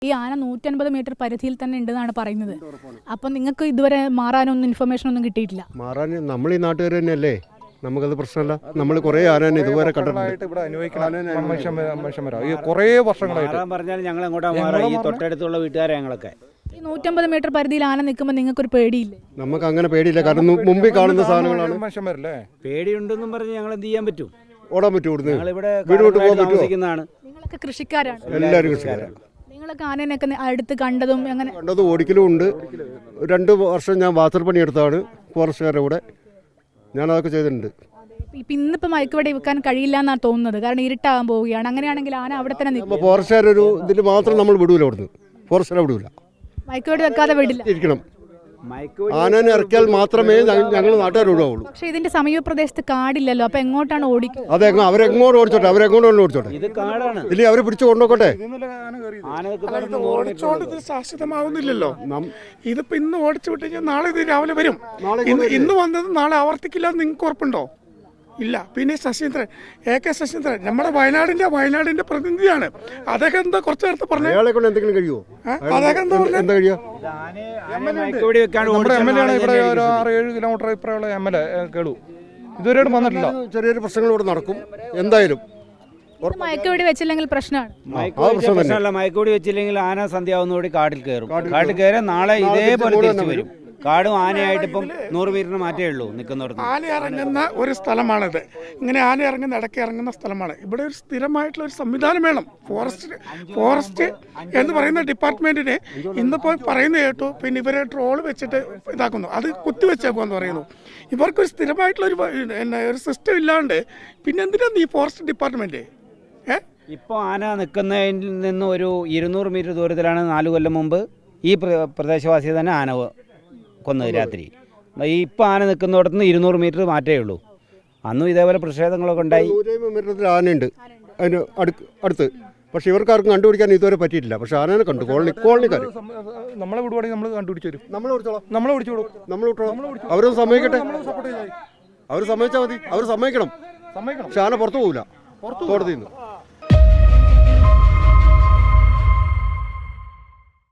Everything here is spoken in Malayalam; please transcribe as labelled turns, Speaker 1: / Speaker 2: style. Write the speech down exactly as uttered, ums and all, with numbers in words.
Speaker 1: ഈ ആന നൂറ്റൻപത് മീറ്റർ പരിധിയിൽ തന്നെ ഉണ്ടെന്നാണ് പറയുന്നത്. അപ്പം നിങ്ങൾക്ക് ഇതുവരെ മാറാനൊന്നും ഇൻഫർമേഷൻ ഒന്നും കിട്ടിയിട്ടില്ല?
Speaker 2: മാറാൻ നമ്മൾ ഈ നാട്ടുകാർ തന്നെയല്ലേ, നമുക്കത് പ്രശ്നമല്ല. നമ്മൾ കുറേ ആന ഇതുവരെ കണ്ടിട്ടുണ്ട്.
Speaker 3: കുറേ വർഷങ്ങളായിട്ട്
Speaker 4: പറഞ്ഞാൽ ഞങ്ങൾ എങ്ങോട്ടാ മാറാ? ഈ തൊട്ടടുത്തുള്ള വീട്ടുകാരെ ഞങ്ങളൊക്കെ
Speaker 1: ഈ നൂറ്റമ്പത് മീറ്റർ പരിധിയിൽ ആന നിൽക്കുമ്പോൾ നിങ്ങൾക്കൊരു പേടിയില്ലേ?
Speaker 2: നമുക്ക് അങ്ങനെ പേടിയില്ല, കാരണം മുമ്പിൽ കാണുന്ന സാധനങ്ങളാണ്.
Speaker 3: മനുഷ്യന്മാരല്ലേ,
Speaker 4: പേടിയുണ്ടെന്നും പറഞ്ഞ് ഞങ്ങൾ എന്ത് ചെയ്യാൻ പറ്റും?
Speaker 2: ഓടാൻ പറ്റും, ഇവിടുന്ന്
Speaker 4: ഞങ്ങളിവിടെ
Speaker 2: വീടോട്ട് പോകാൻ പറ്റുമോ?
Speaker 1: നിങ്ങളൊക്കെ കൃഷിക്കാരാണ്,
Speaker 2: എല്ലാവരും കൃഷിക്കാരാണ്.
Speaker 1: നിങ്ങളൊക്കെ ആനേനൊക്കെ അടുത്ത് കണ്ടതും എങ്ങനെ
Speaker 2: കണ്ടതും ഓടിക്കലും ഉണ്ട്. രണ്ട് വർഷം ഞാൻ വാത്തർ പണിയെടുത്താണ് ഫോറസ്റ്റുകാരുടെ കൂടെ, ഞാനതൊക്കെ ചെയ്തിട്ടുണ്ട്.
Speaker 1: ഇപ്പം ഇന്നിപ്പോൾ മയക്കുവെടി വെക്കാൻ കഴിയില്ല എന്നാണ് തോന്നുന്നത്, കാരണം ഇരുട്ടാകാൻ പോവുകയാണ്. അങ്ങനെയാണെങ്കിൽ ആന അവിടെ തന്നെ നിൽക്കും.
Speaker 2: ഫോറസ്റ്റുകാരൊരു ഇതിൽ മാത്രം നമ്മൾ വിടൂല, അവിടുന്ന് ഫോറസ്റ്റുകാരെ വിടൂല,
Speaker 1: മയക്കുവെടി വെക്കാതെ വിടില്ല.
Speaker 2: ഇരിക്കണം. ആനനെ ഇറക്കിയാൽ മാത്രമേ ഞങ്ങൾ നാട്ടുകാർ വിടുകയുള്ളൂ.
Speaker 1: പക്ഷെ ഇതിന്റെ സമീപ പ്രദേശത്ത് കാടില്ലല്ലോ, അപ്പൊ എങ്ങോട്ടാണ് ഓടിക്കുക?
Speaker 2: അതെ, അവരെങ്ങോട്ട് ഓടിച്ചോട്ടെ, അവരെങ്ങോട്ട് ഓടിച്ചോട്ടെ,
Speaker 4: ഇത് കാടാണ്.
Speaker 2: ഇല്ലേ അവരെ പിടിച്ചു കൊണ്ടുപോട്ടെ.
Speaker 5: ഓടിച്ചോണ്ട് ഇത് ശാശ്വതമാവുന്നില്ലല്ലോ. ഇതിപ്പോ ഇന്ന് ഓടിച്ചു വിട്ട് കഴിഞ്ഞാൽ നാളെ ഇത് രാവിലെ വരും. ഇന്ന് വന്നത് നാളെ ആവർത്തിക്കില്ല എന്ന് നിങ്ങൾക്ക് ഉറപ്പുണ്ടോ? ഇല്ല. പിന്നെ ശശീന്ദ്രൻ, എ കെ ശശീന്ദ്രൻ നമ്മുടെ വയനാടിന്റെ വയനാടിന്റെ പ്രതിനിധിയാണ്. അദ്ദേഹം എന്താ കുറച്ചു നേരത്തെ പറഞ്ഞു?
Speaker 2: അയാളെ കൊണ്ട് എന്തെങ്കിലും കഴിയുമോ?
Speaker 5: അദ്ദേഹം എന്താ
Speaker 2: എന്താ കഴിയുക?
Speaker 3: നമ്മുടെ എം എൽ എ ആണ് ഇവിടെ ഒരു ആറ് ഏഴ് കിലോമീറ്റർ ഇപ്പുറമുള്ള എം എൽ എ കേളു, ഇതുവരെ വന്നിട്ടില്ല.
Speaker 2: ചെറിയൊരു പ്രശ്നങ്ങൾ ഇവിടെ നടക്കും എന്തായാലും.
Speaker 1: മയക്കുവെടി വെച്ചില്ലെങ്കിൽ പ്രശ്നമാണ്.
Speaker 4: പ്രശ്നമല്ല, മയക്കുവെടി വെച്ചില്ലെങ്കിൽ ആന സന്ധ്യാവുന്നതോടെ കാട്ടിൽ കയറും. കാട്ടിൽ കയറാൻ നാളെ ഇതേപോലെ തിരിച്ചു വരും. കാടും ആനയായിട്ട് ഇപ്പം നൂറ് മീറ്ററിന് മാറ്റേ ഉള്ളൂ നിൽക്കുന്നവർക്ക്.
Speaker 5: ആന ഇറങ്ങുന്ന ഒരു സ്ഥലമാണിത്. ഇങ്ങനെ ആന ഇറങ്ങുന്ന ഇടയ്ക്ക് ഇറങ്ങുന്ന സ്ഥലമാണ്. ഇവിടെ ഒരു സ്ഥിരമായിട്ടുള്ള ഒരു സംവിധാനം വേണം. ഫോറസ്റ്റ് ഫോറസ്റ്റ് എന്ന് പറയുന്ന ഡിപ്പാർട്ട്മെന്റിന് ഇന്നിപ്പോൾ പറയുന്ന കേട്ടു, പിന്നെ ഇവരെ ട്രോള് വെച്ചിട്ട് ഇതാക്കുന്നു, അത് കുത്തിവെച്ചേക്കുമെന്ന് പറയുന്നു. ഇവർക്കൊരു സ്ഥിരമായിട്ടുള്ള ഒരു ഒരു സിസ്റ്റം ഇല്ലാണ്ട് പിന്നെ എന്തിനാണ് ഈ ഫോറസ്റ്റ് ഡിപ്പാർട്ട്മെന്റ്? ഏഹ്
Speaker 4: ഇപ്പോൾ ആന നിൽക്കുന്നതിൽ നിന്ന് ഒരു ഇരുന്നൂറ് മീറ്റർ ദൂരത്തിലാണ് നാല് കൊല്ലം മുമ്പ് ഈ പ്രദേശവാസി തന്നെ ആന കൊന്നത് രാത്രി. ഇപ്പം ആന നിൽക്കുന്നിടത്ത് നിന്ന് ഇരുന്നൂറ് മീറ്റർ മാറ്റേ ഉള്ളൂ. അന്നും ഇതേപോലെ പ്രതിഷേധങ്ങളൊക്കെ ഉണ്ടായി.
Speaker 2: മീറ്ററിൽ ആനയുണ്ട് അതിന് അടുത്ത്, പക്ഷെ ഇവർക്കാർക്കും കണ്ടുപിടിക്കാൻ ഇതുവരെ പറ്റിയിട്ടില്ല. പക്ഷെ ആനനെ കണ്ടു കോളനി കോളനിക്കാർ.
Speaker 3: നമ്മളെ വിടുവാണെങ്കിൽ നമ്മൾ കണ്ടുപിടിച്ചു തരും.
Speaker 2: നമ്മളെ വിളിച്ചോളാം,
Speaker 3: നമ്മളെ വിളിച്ചോളൂ,
Speaker 2: നമ്മൾ വിട്ടോളാം. അവരൊന്ന് സമ്മതിക്കട്ടെ, അവർ സമ്മതിച്ചാൽ മതി. അവർ സമ്മതിക്കണം. പക്ഷെ ആന പുറത്തു പോകില്ല കോടതിയിൽ നിന്ന്.